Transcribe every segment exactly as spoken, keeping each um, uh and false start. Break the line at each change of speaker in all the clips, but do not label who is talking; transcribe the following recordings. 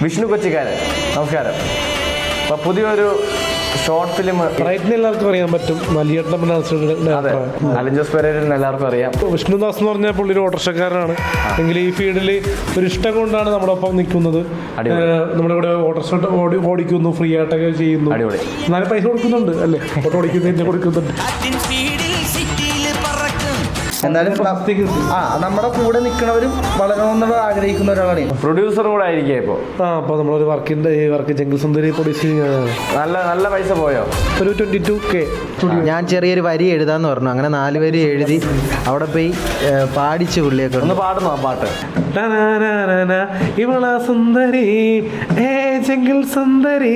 വിഷ്ണു കൊച്ചിക്കാരൻ, നമസ്കാരം. അപ്പോൾ പുതിയൊരു ഷോർട്ട് ഫിലിം
എല്ലാവർക്കും അറിയാൻ പറ്റും.
അലിൻ ജോസ് പെരേരനെ എല്ലാവർക്കും അറിയാം.
വിഷ്ണുദാസ് എന്ന് പറഞ്ഞാൽ പുള്ളി ഒരു ഓട്ടോറിക്ഷക്കാരനാണ്. എങ്കിൽ ഈ ഫീൽഡിൽ ഒരു ഇഷ്ടം കൊണ്ടാണ് നമ്മുടെ ഒപ്പം നിൽക്കുന്നത്. നമ്മുടെ ഇവിടെ ഓട്ടോറിക്ഷ ഓടി ഓടിക്കുന്നു, ഫ്രീ ആയിട്ടൊക്കെ ചെയ്യുന്നു.
അടിപൊളി.
എന്നാലും പൈസ കൊടുക്കുന്നുണ്ട് അല്ലേ? ഓട്ടോ ഓടിക്കുന്നതിന് കൊടുക്കുന്നുണ്ട്.
എന്നാലും ആ നമ്മുടെ കൂടെ നിൽക്കുന്നവരും വളരണമെന്നുള്ള ആഗ്രഹിക്കുന്ന ഒരാളാണ്.
പ്രൊഡ്യൂസറും കൂടെ ആയിരിക്കും ഇപ്പോൾ.
ആ അപ്പോൾ നമ്മളൊരു വർക്കിന്റെ ഈ വർക്ക് ജംഗിൾ സുന്ദരി പ്രൊഡ്യൂസ്
നല്ല നല്ല പൈസ പോയോ?
ഒരു ട്വന്റി ടു കെ.
ഞാൻ ചെറിയൊരു വരി എഴുതാന്ന് പറഞ്ഞു. അങ്ങനെ നാല് വരി എഴുതി അവിടെ പോയി പാടിച്ചു പുള്ളിയൊക്കെ.
ഒന്ന് പാടുന്നു ആ പാട്ട്.
ഇവള സുന്ദരി ഏ ജംഗിൾ സുന്ദരി.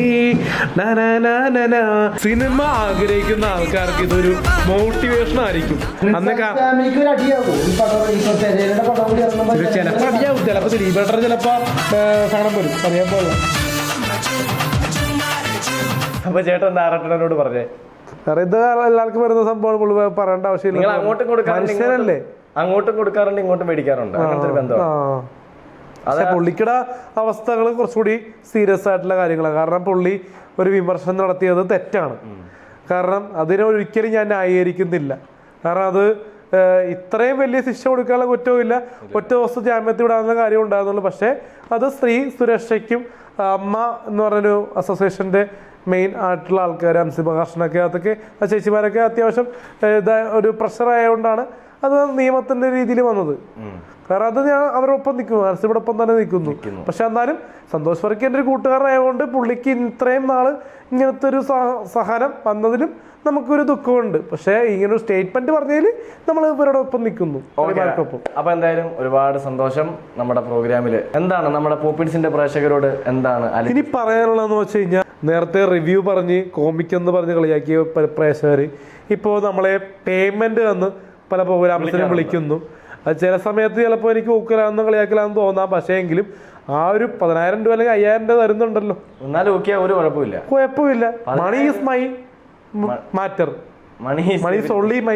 സിനിമ ആഗ്രഹിക്കുന്ന ആൾക്കാർക്ക് ഇതൊരു മോട്ടിവേഷൻ ആയിരിക്കും. അന്നൊക്കെ ചിലപ്പോ അടിയാവും, ചിലപ്പോ ദിലീപേട്ടർ ചിലപ്പോ കാണാൻ വരും, അറിയാൻ പോലെ.
അപ്പൊ ചേട്ടൻ ഡയറക്ടറിനോട് പറഞ്ഞേ
ഇത് എല്ലാവർക്കും വരുന്ന സംഭവം പറയേണ്ട ആവശ്യമില്ല.
അങ്ങോട്ടും കൊടുക്കാറുണ്ട്, അങ്ങോട്ടും കൊടുക്കാറുണ്ട്, ഇങ്ങോട്ടും മേടിക്കാറുണ്ട്.
പക്ഷെ പുള്ളിക്കടെ അവസ്ഥകൾ കുറച്ചുകൂടി സീരിയസ് ആയിട്ടുള്ള കാര്യങ്ങളാണ്. കാരണം പുള്ളി ഒരു വിമർശനം നടത്തിയത് തെറ്റാണ്. കാരണം അതിനെ ഒരിക്കലും ഞാൻ ന്യായീകരിക്കുന്നില്ല. കാരണം അത് ഇത്രയും വലിയ ശിക്ഷ കൊടുക്കാനുള്ള കുറ്റവും ഇല്ല, ഒറ്റ ദിവസം ജാമ്യത്തിൽ വിടാനുള്ള കാര്യം ഉണ്ടാകുന്നുള്ളൂ. പക്ഷേ അത് സ്ത്രീ സുരക്ഷയ്ക്കും അമ്മ എന്ന് പറഞ്ഞൊരു അസോസിയേഷൻ്റെ മെയിൻ ആയിട്ടുള്ള ആൾക്കാർ, അൻസിബ കർഷനൊക്കെ അതൊക്കെ ആ ചേച്ചിമാരൊക്കെ അത്യാവശ്യം ഇതാ ഒരു പ്രഷറായതുകൊണ്ടാണ് അത് നിയമത്തിൻ്റെ രീതിയിൽ വന്നത്. കാരണം അത് ഞാൻ അവരൊപ്പം നിൽക്കുന്നു, അൻസിബയുടെ ഒപ്പം തന്നെ നിൽക്കുന്നു. പക്ഷെ എന്നാലും സന്തോഷ് വർക്കി എൻ്റെ ഒരു കൂട്ടുകാരനായതുകൊണ്ട് പുള്ളിക്ക് ഇത്രയും നാള് ഇങ്ങനത്തെ ഒരു സഹനം വന്നതിലും നമുക്കൊരു ദുഃഖമുണ്ട്. പക്ഷേ ഇങ്ങനെ ഒരു സ്റ്റേറ്റ്മെന്റ് പറഞ്ഞതിൽ നമ്മൾ ഇവരുടെ ഒപ്പം നിൽക്കുന്നു.
അപ്പൊ എന്തായാലും ഒരുപാട് സന്തോഷം. നമ്മുടെ പ്രോഗ്രാമില് എന്താണ് നമ്മുടെ പോപ്പിൻസിന്റെ പ്രേക്ഷകരോട് എന്താണ്
ഇനി പറയാനുള്ളതെന്ന് വെച്ച് കഴിഞ്ഞാൽ, നേരത്തെ റിവ്യൂ പറഞ്ഞ് കോമിക് എന്ന് പറഞ്ഞ് കളിയാക്കിയ പ്രേക്ഷകർ ഇപ്പോൾ നമ്മളെ പേയ്മെന്റ് തന്ന് പല പ്രോഗ്രാംസിനും വിളിക്കുന്നു. അത് ചില സമയത്ത് ചിലപ്പോൾ എനിക്ക് ഊക്കലാന്ന് കളിയാക്കലാന്ന് തോന്നാം. പക്ഷേ എങ്കിലും ആ ഒരു പതിനായിരം രൂപ അല്ലെങ്കിൽ അയ്യായിരം രൂപ തരുന്നുണ്ടല്ലോ,
എന്നാലും ഒരു കുഴപ്പമില്ല
കുഴപ്പമില്ല. Money is my matter, money is only my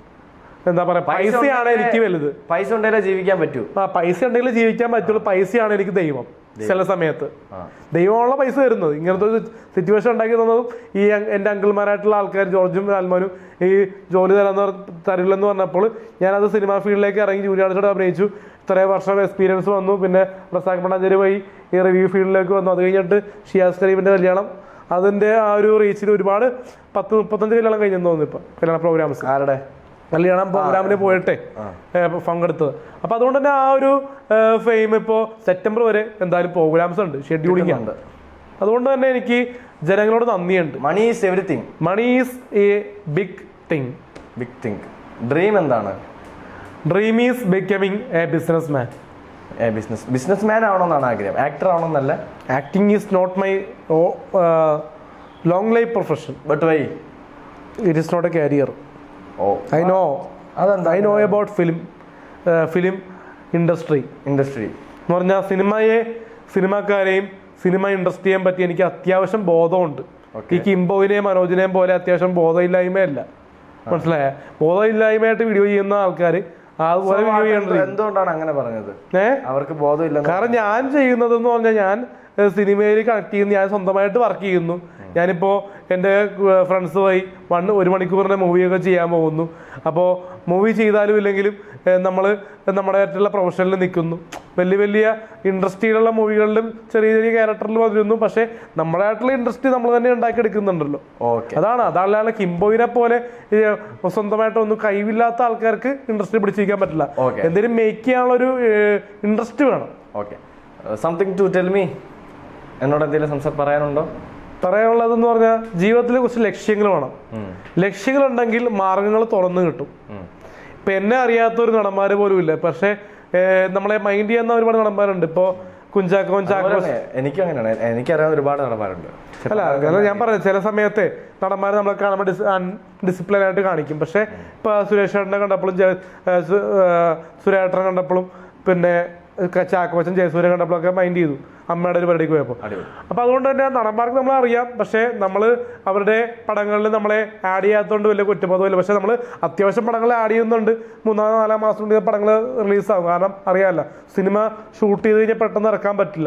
എന്താ പറയാ, പൈസയാണ് എനിക്ക് വലുത്.
പൈസ ഉണ്ടെങ്കിലേ ജീവിക്കാൻ പറ്റൂ.
ആ പൈസ ഉണ്ടെങ്കിൽ ജീവിക്കാൻ പറ്റുള്ളൂ. പൈസയാണ് എനിക്ക് ദൈവം. ചില സമയത്ത് ദൈവമുള്ള പൈസ തരുന്നത്. ഇങ്ങനത്തെ ഒരു സിറ്റുവേഷൻ ഉണ്ടാക്കി തന്നതും ഈ എൻ്റെ അങ്കിൾമാരായിട്ടുള്ള ആൾക്കാർ ജോർജും ആൽമാനും ഈ ജോലി തരാന്ന് തരില്ലെന്ന് പറഞ്ഞപ്പോൾ ഞാനത് സിനിമാ ഫീൽഡിലേക്ക് ഇറങ്ങി ജൂനിയർ ആർട്ടിസ്റ്റോട് അഭിനയിച്ചു. ഇത്രയും വർഷം എക്സ്പീരിയൻസ് വന്നു. പിന്നെ റസാഖ് മണ്ണാഞ്ചേരി പോയി ഈ റിവ്യൂ ഫീൽഡിലേക്ക് വന്നു. അത് കഴിഞ്ഞിട്ട് ഷിയാസ് കരീമിൻ്റെ കല്യാണം, അതിൻ്റെ ആ ഒരു റീച്ചിൽ ഒരുപാട് പത്ത് മുപ്പത്തഞ്ച് കല്യാണം കഴിഞ്ഞെന്ന് തോന്നുന്നു ഇപ്പം കല്യാണ പ്രോഗ്രാംസ്.
ആരുടെ
കല്യാണം പ്രോഗ്രാമിന് പോയിട്ടെ പങ്കെടുത്തത്. അപ്പം അതുകൊണ്ട് തന്നെ ആ ഒരു ഫെയിം ഇപ്പോൾ സെപ്റ്റംബർ വരെ എന്തായാലും പ്രോഗ്രാംസ് ഉണ്ട്, ഷെഡ്യൂളിംഗ് ഉണ്ട്. അതുകൊണ്ട് തന്നെ എനിക്ക് ജനങ്ങളോട് നന്ദിയുണ്ട്.
Money is everything.
Money is a big thing.
Big thing. Dream എന്താണ്?
Dream is becoming a business man.
A business business man ആവണമെന്നാണ് ആഗ്രഹം, ആക്ടർ ആവണമെന്നല്ല.
Acting is not my long life profession.
But why?
It is not a career.
Oh,
I know. I know about film, uh, film industry.
Industry
എന്ന് പറഞ്ഞാൽ സിനിമയെ, സിനിമാക്കാരെയും cinema ഇൻഡസ്ട്രിയെയും പറ്റി എനിക്ക് അത്യാവശ്യം ബോധമുണ്ട്. ഈ കിംബോയിനെയും മനോജിനെയും പോലെ അത്യാവശ്യം ബോധമില്ലായ്മയല്ല, മനസ്സിലായ? ബോധമില്ലായ്മയായിട്ട് വീഡിയോ ചെയ്യുന്ന ആൾക്കാർ അതുപോലെ വീഡിയോ ചെയ്യേണ്ടത്.
എന്തുകൊണ്ടാണ് അങ്ങനെ പറഞ്ഞത്?
ഏഹ്
അവർക്ക് ബോധമില്ല.
കാരണം ഞാൻ ചെയ്യുന്നതെന്ന് പറഞ്ഞാൽ ഞാൻ സിനിമയിൽ കണക്ട് ചെയ്യുന്നു, ഞാൻ സ്വന്തമായിട്ട് വർക്ക് ചെയ്യുന്നു. ഞാനിപ്പോൾ എൻ്റെ ഫ്രണ്ട്സ് പോയി വൺ ഒരു മണിക്കൂറിൻ്റെ മൂവിയൊക്കെ ചെയ്യാൻ പോകുന്നു. അപ്പോൾ മൂവി ചെയ്താലും ഇല്ലെങ്കിലും നമ്മൾ നമ്മുടെ ആയിട്ടുള്ള പ്രൊഫഷനിൽ നിൽക്കുന്നു. വലിയ വലിയ ഇൻഡസ്ട്രിയിലുള്ള മൂവികളിലും ചെറിയ ചെറിയ ക്യാരക്ടറിൽ വന്നിരുന്നു. പക്ഷേ നമ്മളായിട്ടുള്ള ഇൻഡസ്ട്രി നമ്മൾ തന്നെ ഉണ്ടാക്കിയെടുക്കുന്നുണ്ടല്ലോ. അതാണ് അതാണ് കിംബോയിനെ പോലെ സ്വന്തമായിട്ടൊന്നും കഴിവില്ലാത്ത ആൾക്കാർക്ക് ഇൻഡസ്ട്രി പിടിച്ചിരിക്കാൻ പറ്റില്ല. എന്തെങ്കിലും മേക്ക് ചെയ്യാനുള്ള ഒരു ഇൻട്രസ്റ്റ് വേണം.
Okay, something to tell me. എന്നോട് എന്തെങ്കിലും സംസാരം പറയാനുണ്ടോ?
പറയാനുള്ളതെന്ന് പറഞ്ഞാൽ ജീവിതത്തിൽ കുറച്ച് ലക്ഷ്യങ്ങൾ വേണം. ലക്ഷ്യങ്ങളുണ്ടെങ്കിൽ മാർഗങ്ങൾ തുറന്നു കിട്ടും. ഇപ്പൊ എന്നെ അറിയാത്ത ഒരു നടന്മാര് പോലും ഇല്ല, പക്ഷെ നമ്മളെ മൈൻഡ് ചെയ്യുന്ന ഒരുപാട് നടന്മാരുണ്ട്. ഇപ്പൊ കുഞ്ചാക്കോൻ ചാക്കോ,
എനിക്ക് അങ്ങനെയാണ്, എനിക്കറിയാവുന്ന ഒരുപാട് നടന്മാരുണ്ട്.
അല്ല കാരണം ഞാൻ പറഞ്ഞത് ചില സമയത്തെ നടന്മാരെ നമ്മളെ കാണുമ്പോൾ ഡിസിപ്ലിൻ ആയിട്ട് കാണിക്കും. പക്ഷെ ഇപ്പൊ സുരേഷ് ഏട്ടനെ കണ്ടപ്പോഴും സുരേട്ടനെ കണ്ടപ്പോഴും പിന്നെ ചാക്കോച്ചൻ ജയസൂര്യ കണ്ടപ്പോഴൊക്കെ മൈൻഡ് ചെയ്തു അമ്മയുടെ ഒരു പരിപാടിക്ക് പോയപ്പോൾ. അപ്പൊ അതുകൊണ്ട് തന്നെ നടന്മാർക്ക് നമ്മളെ അറിയാം, പക്ഷെ നമ്മൾ അവരുടെ പടങ്ങളിൽ നമ്മളെ ആഡ് ചെയ്യാത്തതുകൊണ്ട് വലിയ കുറ്റബോധമില്ല. പക്ഷെ നമ്മൾ അത്യാവശ്യം പടങ്ങൾ ആഡ് ചെയ്യുന്നുണ്ട്. മൂന്നാം നാലാം മാസം കൊണ്ട് പടങ്ങൾ റിലീസാകും. കാരണം അറിയാമല്ലോ, സിനിമ ഷൂട്ട് ചെയ്ത് കഴിഞ്ഞാൽ പെട്ടെന്ന് ഇറക്കാൻ പറ്റില്ല.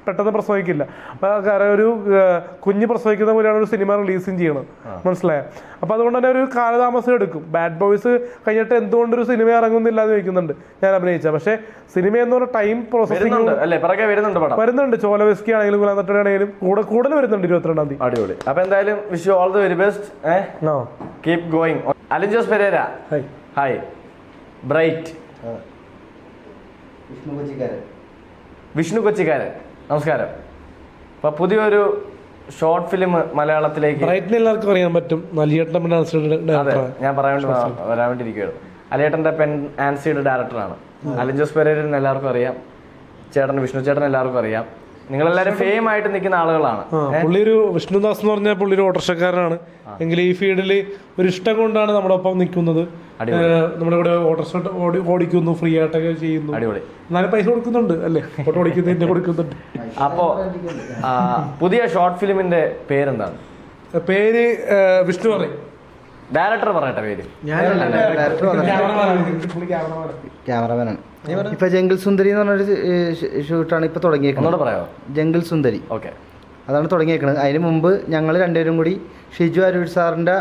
പെട്ടെന്ന് പ്രസവിക്കില്ല. കാരണം ഒരു കുഞ്ഞ് പ്രസവിക്കുന്ന പോലെയാണ് ഒരു സിനിമ റിലീസും ചെയ്യണം, മനസ്സിലായോ? അപ്പോൾ അതുകൊണ്ട് തന്നെ ഒരു കാലതാമസം എടുക്കും. ബാഡ് ബോയ്സ് കഴിഞ്ഞിട്ട് എന്തുകൊണ്ടൊരു സിനിമ ഇറങ്ങുന്നില്ല എന്ന് ചോദിക്കുന്നുണ്ട് ഞാൻ അഭിനയിച്ച. പക്ഷേ സിനിമ എന്ന് പറഞ്ഞ ടൈം പ്രോസസ്സിംഗ് വരുന്നുണ്ട്. ചോലവെസ്കി ആണെങ്കിലും കുലാന്തട്ട ആണെങ്കിലും കൂടെ കൂടുതൽ വരുന്നുണ്ട് ഇരുപത്തിരണ്ടാം തീയതി.
അടിപൊളി. അപ്പൊ എന്തായാലും wish you all the very best. Keep going. Alin Jose Pereira, hi. Bright, Vishnu കൊച്ചിക്കാരൻ, നമസ്കാരം. അപ്പൊ പുതിയൊരു ഷോർട്ട് ഫിലിം മലയാളത്തിലേക്ക്
എല്ലാവർക്കും അറിയാൻ പറ്റും. അലിയേട്ടൻ
അതെ, ഞാൻ പറയാൻ വേണ്ടി വരാൻ വേണ്ടിയിരിക്കുകയാണ്. അലിയേട്ടന്റെ പെൻ ആൻസിയുടെ ഡയറക്ടറാണ്. അലിൻ ജോസ് പെരേരൻ എല്ലാവർക്കും അറിയാം, ചേട്ടൻ വിഷ്ണു ചേട്ടൻ എല്ലാവർക്കും അറിയാം. നിങ്ങളെല്ലാരും ഫെയിം ആയിട്ട് നിൽക്കുന്ന ആളുകളാണ്.
പുള്ളി ഒരു വിഷ്ണുദാസ് എന്ന് പറഞ്ഞാൽ പുള്ളി ഒരു ഓട്ടോറിക്ഷക്കാരനാണ്. എങ്കിൽ ഈ ഫീൽഡിൽ ഒരു ഇഷ്ടം കൊണ്ടാണ് നമ്മുടെ ഒപ്പം നിൽക്കുന്നത്. നമ്മുടെ ഇവിടെ ഓട്ടോറിക്ഷ ഓടിക്കുന്നു, ഫ്രീ ആയിട്ടൊക്കെ ചെയ്യുന്നു.
അടിപൊളി.
എന്നാലും പൈസ കൊടുക്കുന്നുണ്ട് അല്ലേ? ഓട്ടോ ഓടിക്കുന്നതിന്റെ കൊടുക്കുന്നുണ്ട്.
അപ്പോ പുതിയ ഷോർട്ട് ഫിലിമിന്റെ പേരെന്താണ്?
പേര് വിഷ്ണു പറയും.
ഡയറക്ടർ പറയട്ടെ പേര്.
ക്യാമറമാനാണ്. ഇപ്പൊ ജംഗിൾ സുന്ദരി എന്ന് പറഞ്ഞൊരു ഷൂട്ടാണ് ഇപ്പൊ തുടങ്ങിയേക്കുന്നത്.
പറയാമോ?
ജംഗിൾ സുന്ദരി.
ഓക്കെ,
അതാണ് തുടങ്ങിയേക്കുന്നത്. അതിന് മുമ്പ് ഞങ്ങൾ രണ്ടുപേരും കൂടി ഷിജു അരൂർ സാറിന്റെ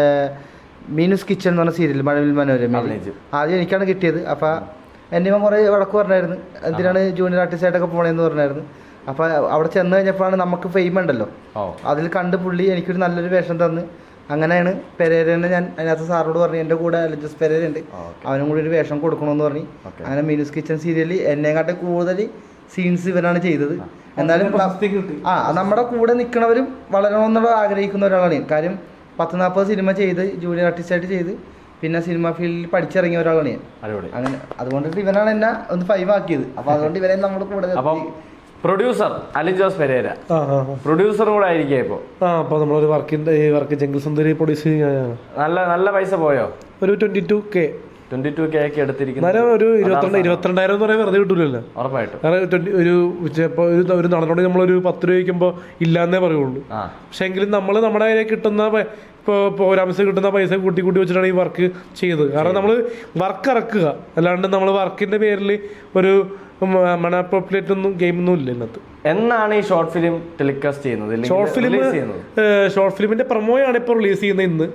മീനുസ് കിച്ചൺ എന്ന് പറഞ്ഞ സീരിയൽ മഴവിൽ മനോരമയിൽ ആദ്യം എനിക്കാണ് കിട്ടിയത്. അപ്പൊ എന്നെ ഇവൻ കുറെ വഴക്ക് പറഞ്ഞായിരുന്നു, എന്തിനാണ് ജൂനിയർ ആർട്ടിസ്റ്റ് ആയിട്ടൊക്കെ പോണേന്ന് പറഞ്ഞായിരുന്നു. അപ്പൊ അവിടെ ചെന്ന് കഴിഞ്ഞപ്പോഴാണ് നമുക്ക് ഫെയിം ഉണ്ടല്ലോ, അതിൽ കണ്ട് പുള്ളി എനിക്കൊരു നല്ലൊരു വേഷം തന്ന് അങ്ങനെയാണ് പെരേരനെ ഞാൻ അതിനകത്ത് സാറിനോട് പറഞ്ഞു എൻ്റെ കൂടെ അലിജസ് പെരേര ഉണ്ട്, അവനും കൂടി ഒരു വേഷം കൊടുക്കണമെന്ന് പറഞ്ഞു. അങ്ങനെ മീനുസ് കിച്ചൺ സീരിയലിൽ എന്നെക്കാട്ടെ കൂടുതൽ സീൻസ് ഇവനാണ് ചെയ്തത്. എന്നാലും ആ നമ്മുടെ കൂടെ നിൽക്കണവരും വളരണമെന്നുള്ള ആഗ്രഹിക്കുന്ന ഒരാളാണ് ഞാൻ. കാര്യം പത്ത് നാൽപ്പത് സിനിമ ചെയ്ത് ജൂനിയർ ആർട്ടിസ്റ്റായിട്ട് ചെയ്ത് പിന്നെ സിനിമ ഫീൽഡിൽ പഠിച്ചിറങ്ങിയ ഒരാളാണ് ഞാൻ. അങ്ങനെ അതുകൊണ്ടിട്ട് ഇവനാണ് എന്നെ ഒന്ന് ഫൈവ് ആക്കിയത്. അപ്പൊ അതുകൊണ്ട് ഇവനെ നമ്മുടെ കൂടെ
പ്രൊഡ്യൂസർ അലിൻ ജോസ് പെരേര പ്രൊഡ്യൂസർ കൂടെ ആയിരിക്കും ഇപ്പൊ.
ആ അപ്പൊ നമ്മളൊരു വർക്കിന്റെ വർക്ക് ജംഗിൾ സുന്ദരി പ്രൊഡ്യൂസ് ചെയ്യാനാണ്.
നല്ല നല്ല പൈസ പോയോ?
ഒരു twenty two K
twenty two K ഒക്കെ എടുത്തിരിക്കുന്നത്.
ഒരു ഇരുപത്തിരണ്ട് ഇരുപത്തിരണ്ടായിരം എന്ന് പറയാൻ വെറുതെ കിട്ടൂലല്ലോ.
ഉറപ്പായിട്ടും.
കാരണം ട്വന്റി ഒരു ചിലപ്പോൾ ഒരു ഒരു നടനോട് നമ്മളൊരു പത്ത് രൂപ വയ്ക്കുമ്പോൾ ഇല്ലാന്നേ പറയുള്ളൂ. പക്ഷെ എങ്കിലും നമ്മൾ നമ്മുടെ കയ്യിൽ കിട്ടുന്ന ഇപ്പോൾ പ്രോഗ്രാംസ് കിട്ടുന്ന പൈസ കൂട്ടി കൂട്ടി വെച്ചിട്ടാണ് ഈ വർക്ക് ചെയ്തത്. കാരണം നമ്മൾ വർക്ക് ഇറക്കുക, അല്ലാണ്ട് നമ്മൾ വർക്കിന്റെ പേരിൽ ഒരു മണാപ്പോപ്പുലേറ്റ് ഒന്നും ഗെയിമൊന്നും ഇല്ല ഇന്നത്തെ.
എന്നാണ് ഈ ഷോർട്ട് ഫിലിം ടെലികാസ്റ്റ് ചെയ്യുന്നത്?
ഷോർട്ട് ഫിലിം ഷോർട്ട് ഫിലിമിന്റെ പ്രൊമോയാണ് ഇപ്പോൾ റിലീസ് ചെയ്യുന്നത്. ഇന്ന്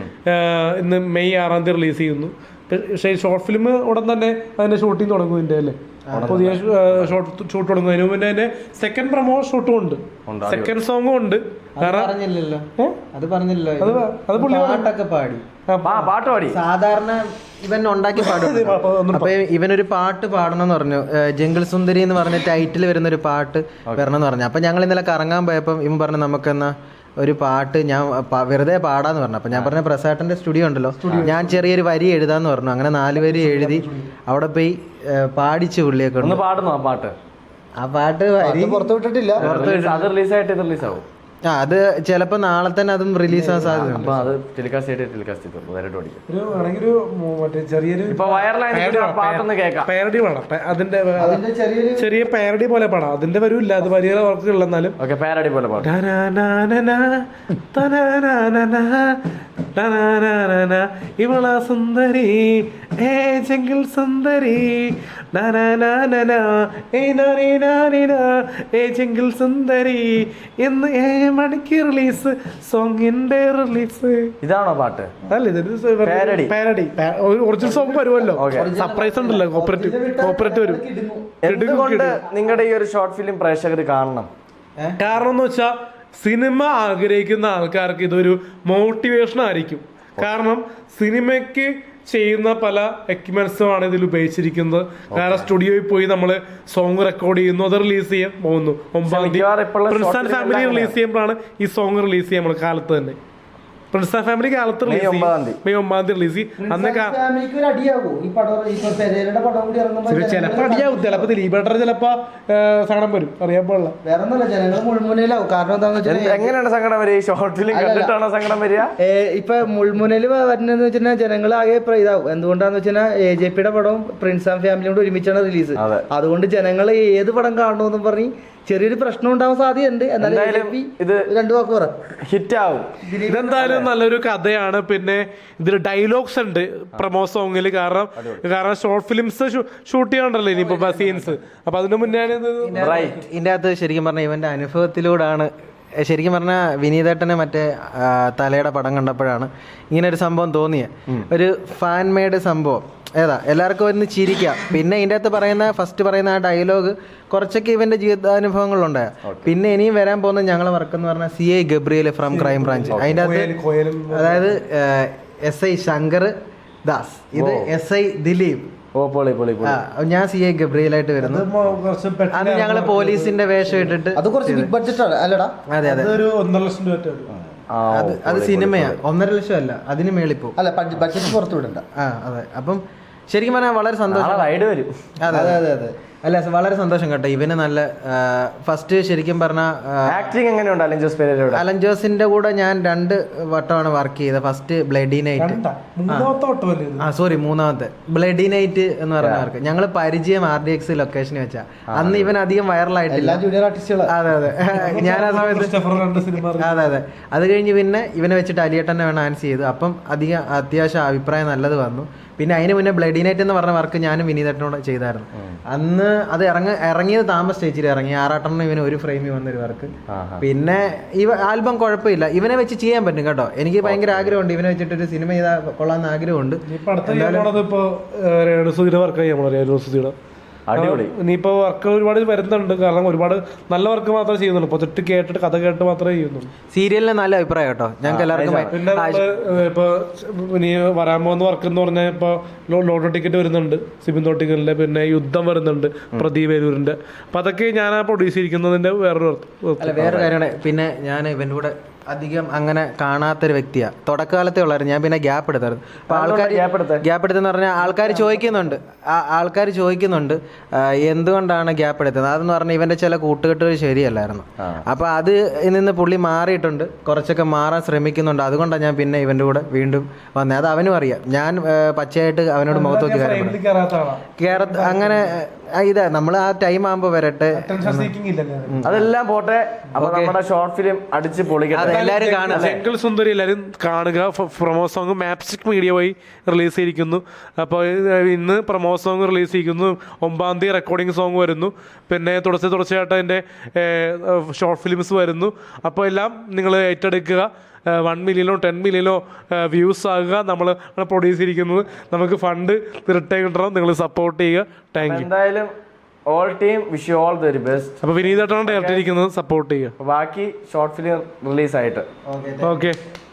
ഇന്ന് മെയ് ആറാം തീയതി റിലീസ് ചെയ്യുന്നു. പക്ഷേ ഷോർട്ട് ഫിലിം ഉടൻ തന്നെ അതിന്റെ ഷൂട്ടിങ് തുടങ്ങും. ഇതിന്റെ അല്ലേ പുതിയ ഷോർട്ട് ഷൂട്ട് തുടങ്ങും. അതിന് മുന്നേ അതിന്റെ സെക്കൻഡ് പ്രൊമോ ഷൂട്ടും ഉണ്ട്, സെക്കൻഡ് സോങ്ങും ഉണ്ട്.
പറഞ്ഞില്ലല്ലോ അത് പറഞ്ഞില്ലല്ലോ
അത് പുള്ളി
പാട്ടൊക്കെ പാടി
പാട്ട് പാടി
സാധാരണ ഇവൻ ഉണ്ടാക്കി പാടും. അപ്പൊ ഇവനൊരു പാട്ട് പാടണം എന്ന് പറഞ്ഞു. ജംഗിൾ സുന്ദരി എന്ന് പറഞ്ഞ ടൈറ്റിൽ വരുന്ന ഒരു പാട്ട് വരണം എന്ന് പറഞ്ഞു. അപ്പൊ ഞങ്ങൾ ഇന്നലെ കറങ്ങാൻ പോയപ്പോൾ ഇവൻ പറഞ്ഞു നമുക്കെന്നാ ഒരു പാട്ട് ഞാൻ വെറുതെ പാടാന്ന് പറഞ്ഞു. അപ്പൊ ഞാൻ പറഞ്ഞ പ്രസാട്ടന്റെ സ്റ്റുഡിയോ ഉണ്ടല്ലോ, ഞാൻ ചെറിയൊരു വരി എഴുതാന്ന് പറഞ്ഞു. അങ്ങനെ നാല് വരി എഴുതി അവിടെ പോയി പാടിച്ചു പുള്ളിയൊക്കെ.
ഒന്ന് പാടുന്നു ആ പാട്ട്.
ആ പാട്ട് വരി പുറത്തു വിട്ടിട്ടില്ല.
അത് റിലീസായിട്ട് ഇത് റിലീസാവും.
ആ അത് ചിലപ്പോ നാളെ തന്നെ അതും റിലീസ് ആവാൻ സാധ്യതയുണ്ട്.
അതിന്റെ ചെറിയ പാരഡി പോലെ പാടാം. അതിന്റെ വരൂല്ല, അത് വലിയ വർക്കുകൾ എന്നാലും
പാരഡി പോലെ
ഇവള സുന്ദരി ഏ ജംഗിൾ സുന്ദരി ഏ ജംഗിൾ സുന്ദരി എന്ന് ഏ മണിക്ക് റിലീസ് സോങ്ങിന്റെ റിലീസ്.
ഇതാണോ പാട്ട്?
അല്ല, ഇത് പാരഡി. ഒറിജിനൽ സോങ് വരുമല്ലോ, സർപ്രൈസ് ഉണ്ടല്ലോ, കോപ്പറേറ്റീവ് കോപ്പറേറ്റ് വരും.
എന്തുകൊണ്ട് നിങ്ങളുടെ ഈ ഒരു ഷോർട്ട് ഫിലിം പ്രേക്ഷകർ കാണണം?
കാരണം എന്ന് വെച്ചാൽ സിനിമ ആഗ്രഹിക്കുന്ന ആൾക്കാർക്ക് ഇതൊരു മോട്ടിവേഷൻ ആയിരിക്കും. കാരണം സിനിമയ്ക്ക് ചെയ്യുന്ന പല എക്യുപ്മെന്റ്സും ആണ് ഇതിൽ ഉപയോഗിച്ചിരിക്കുന്നത്. കാരണം സ്റ്റുഡിയോയിൽ പോയി നമ്മൾ സോങ് റെക്കോർഡ് ചെയ്യുന്നു, അത് റിലീസ് ചെയ്യാൻ പോകുന്നു. ഒമ്പതാം തീയതി പ്രിൻസ് ആൻഡ് ഫാമിലി റിലീസ് ചെയ്യുമ്പോഴാണ് ഈ സോങ് റിലീസ് ചെയ്യാൻ നമ്മൾ കാലത്ത് തന്നെ. പ്രിൻസ് ആൻഡ് ഫാമിലി കാലത്ത് റിലീസ് ചെയ്യും, മെയ് ഒമ്പതാം തീയതി റിലീസ് ചെയ്യും. അന്ന് ചിലപ്പോ അടിയാവും, ചിലപ്പോ ദിലീപേട്ടർ ചിലപ്പോ സങ്കടം വരും, അറിയാൻ പാടില്ല.
എങ്ങനെയാണ് സങ്കടം വരിക? ഷോർട്ട് ഫിലിം കണ്ടിട്ടാണോ സങ്കടം വരിക?
ഇപ്പൊ മുൾമുനയിൽ വരുന്നതെന്ന് വെച്ചാൽ ജനങ്ങൾ ആകെ ഇതാവും. എന്തുകൊണ്ടാന്ന് വെച്ചാൽ എ ജെ പിയുടെ പടവും പ്രിൻസ് ആൻഡ് ഫാമിലിയോട് ഒരുമിച്ചാണ് റിലീസ്. അതുകൊണ്ട് ജനങ്ങൾ ഏത് പടം കാണണമെന്നും പറഞ്ഞ് ചെറിയൊരു പ്രശ്നം ഉണ്ടാവാൻ സാധ്യതയുണ്ട്. എന്നാലും
എന്തായാലും ഇത്
രണ്ടു വാക്ക് പറ.
ഹിറ്റ് ആവും.
ഇതെന്തായാലും നല്ലൊരു കഥയാണ്. പിന്നെ ഇതിൽ ഡയലോഗ്സ് ഉണ്ട് പ്രമോ സോങ്ങിൽ. കാരണം കാരണം ഷോർട്ട് ഫിലിംസ് ഷൂട്ട് ചെയ്യാണ്ടല്ലോ ഇനിയിപ്പോ സീൻസ്. അപ്പൊ അതിനു മുന്നേ
ഇതിൻ്റെ അകത്ത് ശരിക്കും പറഞ്ഞാൽ ഇവന്റെ അനുഭവത്തിലൂടെയാണ് ശരിക്കും പറഞ്ഞാൽ വിനീതേട്ടന് മറ്റേ ആ, തലയുടെ പടം കണ്ടപ്പോഴാണ് ഇങ്ങനെ ഒരു സംഭവം തോന്നിയത്. ഒരു ഫാൻ മെയ്ഡ് സംഭവം. ഏതാ എല്ലാവർക്കും ഒന്ന് ചിരിക്കാം. പിന്നെ ഇതിൻ്റെ അകത്ത് പറയുന്ന ഫസ്റ്റ് പറയുന്ന ആ ഡയലോഗ് കുറച്ചൊക്കെ ഇവന്റെ ജീവിതാനുഭവങ്ങളുണ്ടായ. പിന്നെ ഇനിയും വരാൻ പോകുന്ന ഞങ്ങളെ വർക്ക് എന്ന് പറഞ്ഞാൽ C I Gabriel from crime branch. അതിൻ്റെ അകത്ത് അതായത് എസ് ഐ ശങ്കർ ദാസ്, ഇത് എസ് ഐ ദിലീപ്.
ഓ പൊളി പൊളി പൊളി.
ആ, ഞാൻ സി ഐ ഗബ്രിയലായിട്ട് വരുന്നു. അത് ഞങ്ങള് പോലീസിന്റെ വേഷം ഇട്ടിട്ട്.
അത് കുറച്ച് ബിഗ് ബഡ്ജറ്റ് ആണ് അല്ലടാ?
അതെ അതെ,
ഒരു ഒന്നര ലക്ഷം രൂപ
ആ,
അത് അത് സിനിമയാ. ഒന്നര ലക്ഷം അല്ല, അതിന് മേളിപ്പോ.
അല്ല ബഡ്ജറ്റ് പുറത്തു വിടണ്ട.
ആ അതെ. അപ്പം ശരിക്കും പറഞ്ഞാൽ വളരെ സന്തോഷം.
റൈഡ് വരും.
അതെ
അതെ അതെ അതെ.
അല്ല വളരെ സന്തോഷം കേട്ടോ. ഇവന് നല്ല ഫസ്റ്റ് ശരിക്കും പറഞ്ഞ
ആക്ടിങ് എങ്ങനെയുണ്ട് അലൻ ജോസ് പെരേരയുടെ?
അലൻ ജോസിന്റെ കൂടെ ഞാൻ രണ്ട് വട്ടമാണ് വർക്ക് ചെയ്തത്. ഫസ്റ്റ് ബ്ലഡി നൈറ്റ്, ആ സോറി മൂന്നാമത്തെ ബ്ലഡി നൈറ്റ് എന്ന് പറഞ്ഞ വർക്ക്. ഞങ്ങൾ പരിചയം ആർ ഡി എക്സ് ലൊക്കേഷനിൽ വെച്ചാ. അന്ന് ഇവൻ അധികം വൈറലായിട്ടില്ല.
ജൂനിയർ ആർട്ടിസ്റ്റുകൾ.
അതെ അതെ. ഞാൻ ആ സമയത്ത് അതെ അതെ. അത് കഴിഞ്ഞ് പിന്നെ ഇവനെ വെച്ചിട്ട് അലിയേട്ടനെ വേണം ആൻസ് ചെയ്തു. അപ്പം അധികം അത്യാവശ്യം അഭിപ്രായം നല്ലത് വന്നു. പിന്നെ അതിന് മുന്നേ ബ്ലഡി നൈറ്റ് എന്ന് പറഞ്ഞ വർക്ക് ഞാനും വിനീതേട്ടനോട് ചെയ്തായിരുന്നു. അന്ന് അത് ഇറങ്ങ ഇറങ്ങിയത് താമസ സ്റ്റേജിൽ ഇറങ്ങി. ആറാട്ടെണ്ണം ഇവന് ഒരു ഫ്രെയിമിൽ വന്നൊരു വർക്ക്. പിന്നെ ഈ ആൽബം കുഴപ്പമില്ല, ഇവനെ വെച്ച് ചെയ്യാൻ പറ്റും കേട്ടോ. എനിക്ക് ഭയങ്കര ആഗ്രഹമുണ്ട് ഇവനെ വെച്ചിട്ട് ഒരു സിനിമ ചെയ്താൽ കൊള്ളാമെന്ന് ആഗ്രഹമുണ്ട്.
അടിപൊളി.
ഇനിയിപ്പോ വർക്ക് ഒരുപാട് വരുന്നുണ്ട്. കാരണം ഒരുപാട് നല്ല വർക്ക് മാത്രമേ ചെയ്യുന്നുള്ളൂ. പ്രൊജക്ട് കേട്ടിട്ട് കഥ കേട്ട് മാത്രമേ ചെയ്യുന്നുള്ളൂ.
സീരിയലിന് നല്ല അഭിപ്രായം കേട്ടോ ഞങ്ങൾക്ക് എല്ലാവർക്കും.
പിന്നെ ഇപ്പൊ ഇനി വരാൻ പോകുന്ന വർക്ക് എന്ന് പറഞ്ഞാൽ ഇപ്പൊ ലോട്ടോ ടിക്കറ്റ് വരുന്നുണ്ട് സിബിൻ തോട്ടിക്കലിന്റെ. പിന്നെ യുദ്ധം വരുന്നുണ്ട് പ്രദീപ് വേലൂരിന്റെ. അപ്പൊ അതൊക്കെ ഞാൻ പ്രൊഡ്യൂസ് ചെയ്തിരിക്കുന്നതിന്റെ വേറൊരു
അല്ല വേറെ കാര്യമാണ്. പിന്നെ ഞാൻ ഇവന്റെ കൂടെ അധികം അങ്ങനെ കാണാത്തൊരു വ്യക്തിയാണ്. തുടക്കകാലത്തേ ഉള്ളായിരുന്നു. ഞാൻ പിന്നെ ഗ്യാപ്പ് എടുത്തായിരുന്നു. അപ്പൊ ആൾക്കാർ ഗ്യാപ്പ് എടുത്തെന്ന് പറഞ്ഞാൽ ആൾക്കാർ ചോദിക്കുന്നുണ്ട് ആൾക്കാർ ചോദിക്കുന്നുണ്ട് എന്തുകൊണ്ടാണ് ഗ്യാപ്പ് എടുത്തത്. അതെന്ന് പറഞ്ഞാൽ ഇവന്റെ ചില കൂട്ടുകെട്ടുകൾ ശരിയല്ലായിരുന്നു. അപ്പൊ അത് നിന്ന് പുള്ളി മാറിയിട്ടുണ്ട്, കുറച്ചൊക്കെ മാറാൻ ശ്രമിക്കുന്നുണ്ട്. അതുകൊണ്ടാണ് ഞാൻ പിന്നെ ഇവന്റെ കൂടെ വീണ്ടും വന്നത്. അത് അവനും അറിയാം. ഞാൻ പച്ചയായിട്ട് അവനോട് മുഖത്ത് നോക്കി കേറ അങ്ങനെ ഇതാ നമ്മൾ ആ ടൈം ആകുമ്പോ വരട്ടെ.
അതെല്ലാം പോട്ടെ. അപ്പൊ നമ്മുടെ ഷോർട്ട് ഫിലിം അടിച്ച് പൊളിക്കട്ടെ.
എല്ലാരും കാണുക.
ജംഗിൾ സുന്ദരി എല്ലാവരും കാണുക. പ്രൊമോ സോങ് മാപ്സ്റ്റിക് മീഡിയ വഴി റിലീസ് ചെയ്തിരിക്കുന്നു. അപ്പോൾ ഇന്ന് പ്രൊമോ സോങ് റിലീസ് ചെയ്യിക്കുന്നു. ഒമ്പതാം തീയതി റെക്കോർഡിംഗ് സോങ് വരുന്നു. പിന്നെ തുടർച്ച തുടർച്ചയായിട്ട് അതിൻ്റെ ഷോർട്ട് ഫിലിംസ് വരുന്നു. അപ്പോൾ എല്ലാം നിങ്ങൾ ഏറ്റെടുക്കുക. വൺ മില്യനോ ടെൻ മില്യനോ വ്യൂസ് ആകുക. നമ്മൾ പ്രൊഡ്യൂസ് ചെയ്തിരിക്കുന്നത്. നമുക്ക് ഫണ്ട് തിരട്ടെ കിട്ടണം. നിങ്ങൾ സപ്പോർട്ട് ചെയ്യുക. Thank you.
എന്തായാലും all team wish you all the very best.
അപ്പോൾ വിനീതേട്ടനാണ് ഡയറക്റ്റ് ഇരിക്കുന്നത്. സപ്പോർട്ട് ചെയ്യുക.
ബാക്കി ഷോർട്ട് ഫിലിം റിലീസ് ആയിട്ട്
ഓക്കെ.